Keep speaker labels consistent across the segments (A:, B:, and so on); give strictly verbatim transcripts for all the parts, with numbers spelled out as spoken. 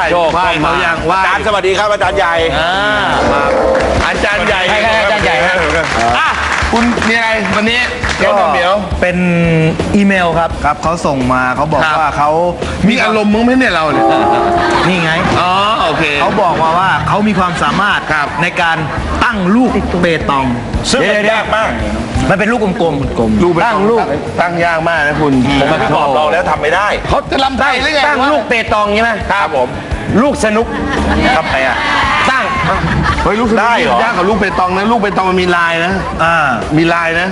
A: โชค
B: ไหว้เขายังไหว้
A: อาจารย์สวัสดีครับอาจารย์ใหญ่
B: อ่ามาอาจารย์ใหญ่
C: ใช่ใช่อาจารย์ใหญ่ฮะ
B: อ่ะคุณมีอะไรวันนี้เดี๋ยวเดี๋ยว
C: เป็นอีเมลครับครับเขาส่งมาเขาบอก
B: ครับ
C: ว่าเขา
B: มีอารมณ์มึงไหมเนี่ยเราเนี่ย
C: นี่ไง
B: อ๋อโอเค
C: เขาบอกมาว่าเขามีความสามารถ
B: ครับ
C: ในการตั้งลูกเปตอง
A: ซึ่งมันยากมาก
C: มันเป็นลูกกลมๆกลม
B: ลูกตั้งลูกตั้งยากมากนะคุณ
A: ผมมาบอกเราแล้วทำไม่ได้
B: เขาจะลำไส้หรือไง
D: ตั้งลูกเปตองใช่ไหม
A: ครับผม
D: ลูกสนุก
A: ทำไงอ่ะ
D: ตั้ง
B: เฮ้ยลูกสนุก
A: ได้เหรอ
B: ยากกว่าลูกเปตองนะลูกเปตองมันมีลายนะ
C: อ่า
B: มีลายนะ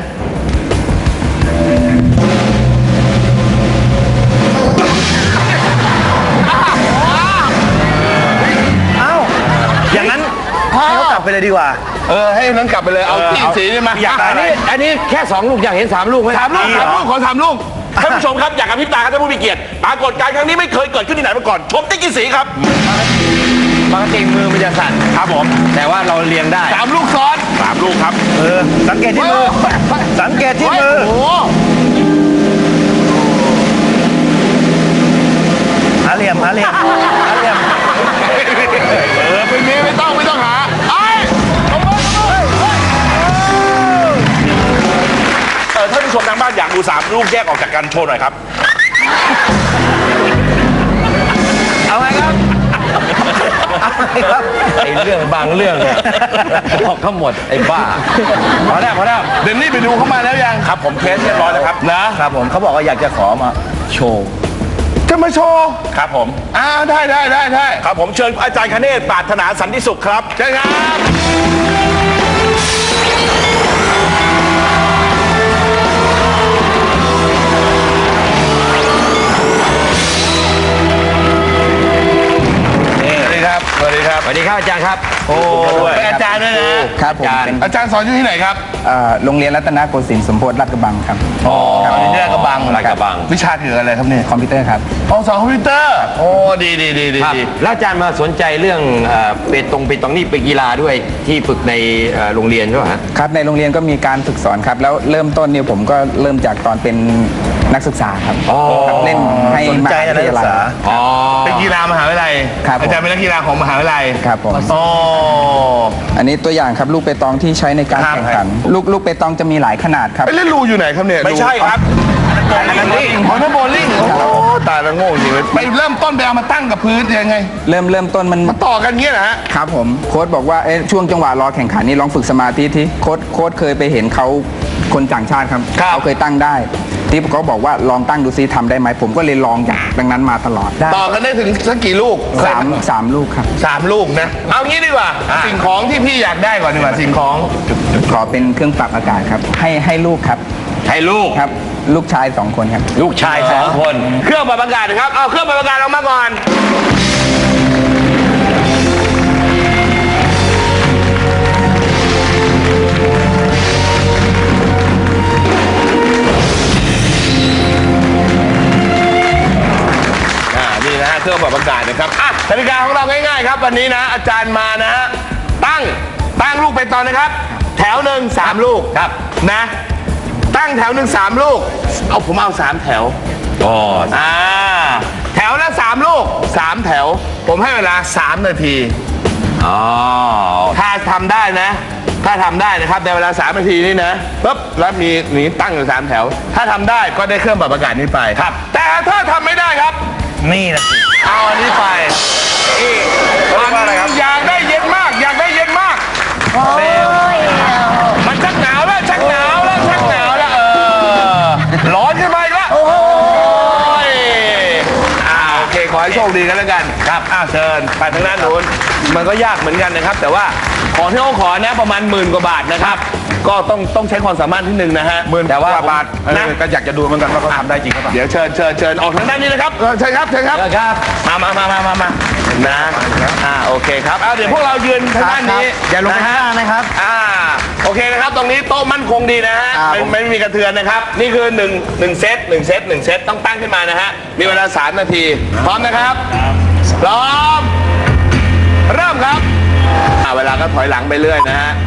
C: เอ้าอย่างนั้นให้เขากลับไปเลยดีกว่า
B: เออให้นั้นกลับไปเลยเอาที่สีนี่มา
A: อยากได้
D: อันนี้อันนี้แค่สองลูกอยากเห็นสามลูกไหม
B: สามลูกสามลูกขอสามลูก
A: ท่านผู้ชมครับอยากกับพริบตาครับท่านผู้มีเกียรติปรากฏการณ์ครั้งนี้ไม่เคยเกิดขึ้นที่ไหนมาก่อนชมติ๊กกี่สีครับ
D: ปกติมือมันจะสั่น
A: ครับผม
D: แต่ว่าเราเรียงได้
B: สามลูกซ้อน
A: สามลูกครับ
C: เออสังเกตที่มือสังเกตที่มือ
B: โอ้โห
C: หาเหลี่ยมหาเหลี่ยมหาเหลี่ยม
B: เออไม่มีไม่ต้องไม่ต้องหาไอ้ลงมาลงมา
A: เออท่านผู้ชมทางบ้านอยากดูสามลูกแยกออกจากกันโชว์หน่อยครับ
C: เอาไงครับเอาไงครับ
D: ไอ้เรื่องบางเรื่องเนี่ยบอกทั้งหมดไอ้บ้าพอแล้วพอแล้ว
B: เดนนี่ไปดูเข้ามาแล้วยัง
A: ครับผมเทสเรียบร้อยแล้วครับ
B: นะครับ
C: ผมเขาบอกว่าอยากจะขอมาโชว์
B: จะมาโชว์
A: ครับผม
B: อ่าได้ได้ได้ได้
A: ครับผมเชิญอาจารย์คเนศปรารถนาสันติสุขครับ
B: ใช่ครับสวัสดีครับสวัสดีครับ
D: สวัสดีครับอาจารย์ครับ
B: โอ้เป็นอาจารย์ด้วยนะครับ
E: ผมเป็น
B: อาจารย์สอนอยู่ที่ไหนครับ
E: เอ่อโรงเรียนรัตนโกสินทร์สมโพธิลาดกระบังครับ
B: อ๋อที่นี่กระบัง
D: ลาดกระบัง
B: วิชาเกี่ยวกับอะไรครับเนี่ย
E: คอมพิวเตอร์ครับ
B: อ๋อสอนคอมพิวเตอร์โอ้ดีดีดีดี
D: ครับ
B: ดี
D: แล้วอาจารย์มาสนใจเรื่องเอ่อเปตองเปตองนี่เป็นกีฬาด้วยที่ฝึกในเอ่อโรงเรียนใช่ไหมฮะ
E: ครับในโรงเรียนก็มีการฝึกสอนครับ แล้วเริ่มต้นเนี่ยผมก็เริ่มจากตอนเป็นนักศึกษาครับครับเล่นให้
C: สนใจ
E: มหา
C: อะไร
E: วิท
C: ศึ
E: ยาก ลัย
C: ษา
D: อ๋อ
B: เป็นกีฬามหาวิทยาลัย
E: ครับผม
B: อาจารย์เป็นนักกีฬาของมหาวิทยาลัย
E: ครับผม
B: อ๋อ
E: อันนี้ตัวอย่างครับลูกเปตองที่ใช้ในการ
B: ครับ
E: แข่งขัน ลูกลูกเปตองจะมีหลายขนาดครับ
B: ไปเล่นรูอยู่ไหนครับเนี่ย
A: ไม่ใช่ครับ
B: อันนั้นนี่อ๋อนั่นโบลิ่งโอ้โหตายแล้วโง่จริงเลยไปเริ่มต้นไปเอามาตั้งกับพื้นยังไง
E: เริ่มเริ่มต้นมัน
B: มาต่อกันเงี้ยนะฮะ
E: ครับผมโค้ชบอกว่าเอ๊ะช่วงจังหวะรอแข่งขันนี่ลองฝึกสมาธิที่โค้ชโค้ชเคยไปเห็นเขาคนต่างชาติครับ
B: ครับ
E: เขาเคยตั้งได้ที่เขาบอกว่าลองตั้งดูซิทำได้ไหมผมก็เลยลองจากดังนั้นมาตลอดได้
B: ต่อกันได้ถึงสักกี่ลูก
E: สามสามลูกครับ
B: สามลูกนะ เอางี้ดีกว่า สิ่งของที่พี่อยากได้ก่อนดีกว่าสิ่งของ
E: ขอเป็นเครื่องปรับอากาศครับ ให้ให้ลูกครับ
D: ให้ลูก
E: ครับ ลูกชายสองคนครับ
D: ลูกชายสองคน
B: เครื่องปรับอากาศนะครับ เอาเครื่องปรับอากาศออกมาก่อน อ่า นี่นะฮะเครื่องปรับอากาศนะครับ อ่ะกติกาของเราง่ายๆครับ วันนี้นะอาจารย์มานะฮะ ตั้ง ตั้งลูกไปตอนนะครับ แถวหนึ่งสามลูก
D: ครับ
B: นะ ตั้งแถวหนึ่งสามลูก เอาผมเอาสามแถว
D: อ๋อ
B: อ่าแถวละสามลูกสามแถว ผมให้เวลาสามนาที
D: อ๋อ
B: ถ้าทำได้นะ ถ้าทำได้นะครับในเวลาสามนาทีนี้นะปุ๊บแล้วมีนี้ตั้งอยู่สามแถว ถ้าทำได้ก็ได้เครื่องปรับอากาศนี้ไปครับ แต่ถ้าทำไม่ได้ครับ
C: นี่นะสิ
B: เอาอันนี้ไปอีก
A: เรียกว่าอะไรครับ
B: อยากได้เย็นมาก อยากได้เย็นมากมันชักหนาวแล้วชักหนาวแล้วชักหนาวแล้วเออร้อนขึ้นมาอีกแล้วโอ้ยอ่าโอเคขอให้โชคดีกันแล้วกันครับอ้าวเชิญไปทางด้านนู้นมันก็ยากเหมือนกันนะครับ แต่ว่าของที่เขาขอนะประมาณหมื่นกว่าบาทนะครับ ก็ต้องต้องใช้ความสามารถที่หนึ่งนะฮะ
A: หมื่น
B: แต่ว่าก
A: ว่าบาทเออ
B: นะ
A: ก็อยากจะดูเหมือนกันว่าเขาทำได้จริงหรือเปล่า
B: เดี๋ยวเชิญเชิญเชิญออกทางด้านนี้นะครับเออเชิญครับเชิญครับ
D: ครับ
B: มามามามามามานะอ่าโอเคครับเอาเดี๋ยวพวกเรายืนทางด้านนี้
C: อย่าลงไปข้างล่างนะครับ
B: อ่าโอเคนะครับ ตรงนี้โต๊ะมั่นคงดีนะฮะไม่ไม่มีกระเทือนนะครับ นี่คือหนึ่งหนึ่งเซตหนึ่งเซตหนึ่งเซตต้องตั้งขึ้นมานะฮะมีเวลาสามนาที พร้อมนะครับพร้อมเริ่มครับอ่าเวลาก็ถอยหลังไปเรื่อยนะฮะ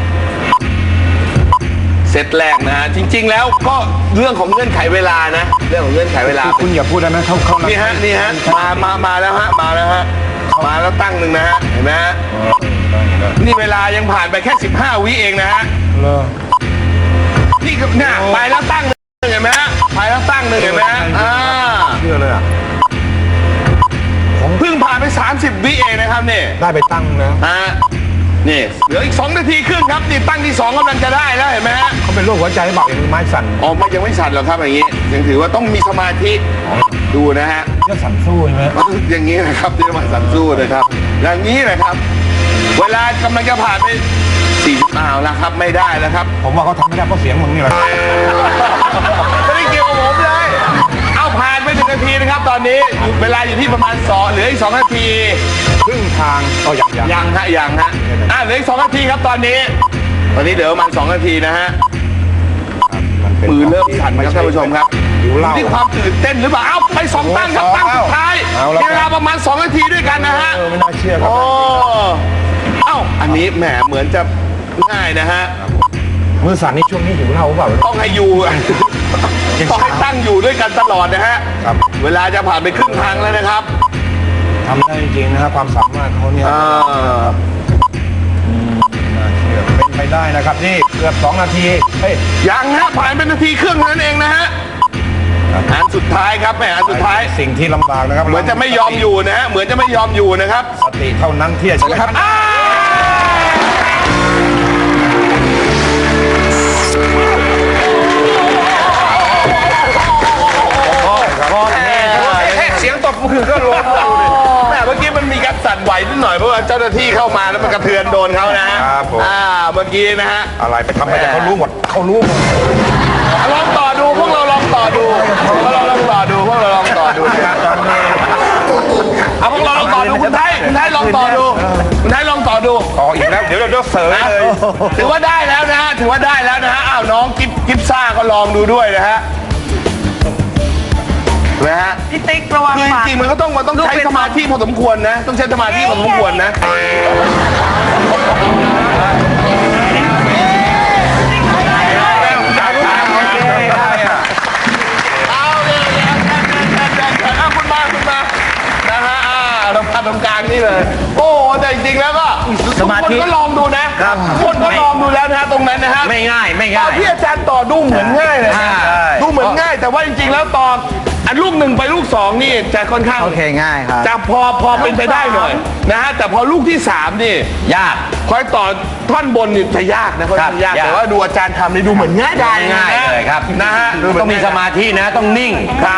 B: เซตแรกนะฮะจริง ๆ แล้วก็เรื่องของเงื่อนไขเวลานะ เรื่องของเงื่อนไขเวลา
A: คุณอย่าพูดได้ไหมเขาเขา
B: นี่ฮะนี่ฮะมามามาแล้วฮะมาแล้วฮะ
A: เขา
B: มาแล้วตั้งหนึ่งนะฮะเห็นไหมฮะนี่เวลายังผ่านไปแค่สิบห้าวิเองนะฮะนี่ก็เนี่ยไปแล้วตั้งหนึ่งเห็นไหมฮะไปแล้วตั้งหนึ่งเห็นไหมฮะอ่า
C: เชื่อเลยอ่ะ
B: เพิ่งผ่านไปสามสิบวิเองนะครับนี่
C: ได้ไปตั้งนะ
B: ฮะนี่เหลืออีกสองนาทีครึ่งครับนี่ตั้งที่สองกำลังจะได้แล้วเห็นไหมฮะ
C: เขาเป็นโรคหัวใจเปล่าอย่างมือไม้สั่น
B: อ๋อไม่ยังไม่สั่นหรอกครับอย่างนี้ยังถือว่าต้องมีสมาธิดูนะฮะ
C: เรื่องสั่นสู้ใช่ไหม
B: อย่างนี้นะครับที่มาสั่นสู้นะครับ อย่างนี้นะครับ เวลากำลังจะผ่านไปสี่สิบอ้าวแล้วครับไม่ได้แล้วครับ
C: ผมว่าเขาทำไม่ได้เพราะเสียงมึงนี่แหละ
B: ไม่ได้เกี่ยวกับผมเลย เอาผ่านไปหนึ่งนาทีนะครับ ตอนนี้อยู่เวลาอยู่ที่ประมาณสองเหลืออีกสองนาที
C: ครึ่งทางก็อย่างอย่าง
B: ยังฮะยังฮะอ่ะเหลืออีกสองนาทีครับตอนนี้ ตอนนี้เหลือประมาณสองนาทีนะฮะ มือเริ่มสั่นครับท่านผู้ชมครับ
C: หิวเหล้า
B: นี่ความตื่นเต้นหรือเปล่า เอ้าไปสองตั้งครับตั้งสุดท้าย
C: เอาละ
B: มีเวลาประมาณสองนาทีด้วยกันนะฮะ
C: เออไม่น่าเชื่อครับ
B: โอ้เอ้าอันนี้แหมเหมือนจะง่ายนะฮะ
C: มือสั่นนี่ช่วงนี้หิวเหล้าเปล่า
B: ต้องให้อยู่ ต้องให้ตั้งอยู่ด้วยกันตลอดนะฮะ
C: ครับ
B: เวลาจะผ่านไปครึ่งทางแล้วนะครับ
C: ทำได้จริงๆนะครับความสามารถเขาเนี่ย
B: อ่า
C: น่าเชื่อเป็นไปได้นะครับนี่เกือบสองนาทีเฮ้ย
B: ยังฮะผ่านเป็นนาทีครึ่งเท่านั้นเองนะฮะอันสุดท้ายครับแหมอันสุดท้าย
C: สิ่งที่ลำบากนะครับ
B: เหมือนจะไม่ยอมอยู่นะฮะ เหมือนจะไม่ยอมอยู่นะครับ
C: สติเท่านั้นที่จะชนะครับ
B: อ้าวเสียงตบมือก็ล้มแม่เมื่อกี้มันมีการสั่นไหวนิดหน่อยเพราะว่าเจ้าหน้าที่เข้ามาแล้วมันกระเทือนโดนเขานะฮะ
C: ครับผม
B: อ่าเมื่อกี้นะฮะ
C: อะไรไปทำไปแต่เขารู้หมดเขารู้หมด
B: ลองต่อดูพวกเราลองต่อดูพวกเราลองต่อดูพวกเราลองต่อดูนะครับตอนนี้เอาพวกเราลองต่อดูคุณไทยคุณไทยลองต่อดูคุณไทยลองต่อดู
C: ต่ออีกแล้วเดี๋ยวเราจะเสริม
B: นะ
C: เลย
B: ถือว่าได้แล้วนะฮะถือว่าได้แล้วนะฮะอ้าวน้องกิฟกิฟซ่าก็ลองดูด้วยนะฮะนะฮะ
F: พี่ติ๊กระวัง
B: คือจ
F: ปาก
B: ริงๆมันก็ต้องมันต้องใช้สมาธิพอสมควรนะ ต้องใช้สมาธิพอสมควรนะเอาเลยเอาคุณมาคุณมานะฮะอ่าเราทำตรงกลางนี่เลย โอ้แต่จริงๆแล้วก็สมาธิคนก็ลองดูนะคนก็ลองดูแล้วนะฮะตรงนั้นนะฮะ
D: ไม่ง่ายไม่
B: ตอ
D: ง่าน ย
B: ที่อาจารย์ต่อดูเหมือนง่ายเลยนะ
D: ใช่
B: ดูเหมือนง่าย แต่ว่าจริงๆแล้วตอนอันลูกหนึ่งไปลูกสองนี่จะค่อนข้าง
E: โอเคง่ายครับ
B: จะพอพอเป็นไปได้หน่อยนะฮะแต่พอลูกที่สามนี่
D: ยาก
B: คอยต่อท่อนบนนี่จะยากนะค่อนข้างยาก
D: ยาก
B: แต่ว่าดูอาจารย์ทำนี่ดูเหมือนง่ายดาย
D: ง่ายเลยครับ
B: นะฮะดูเหน
D: ต้องมีสมาธินะต้องนิ่ง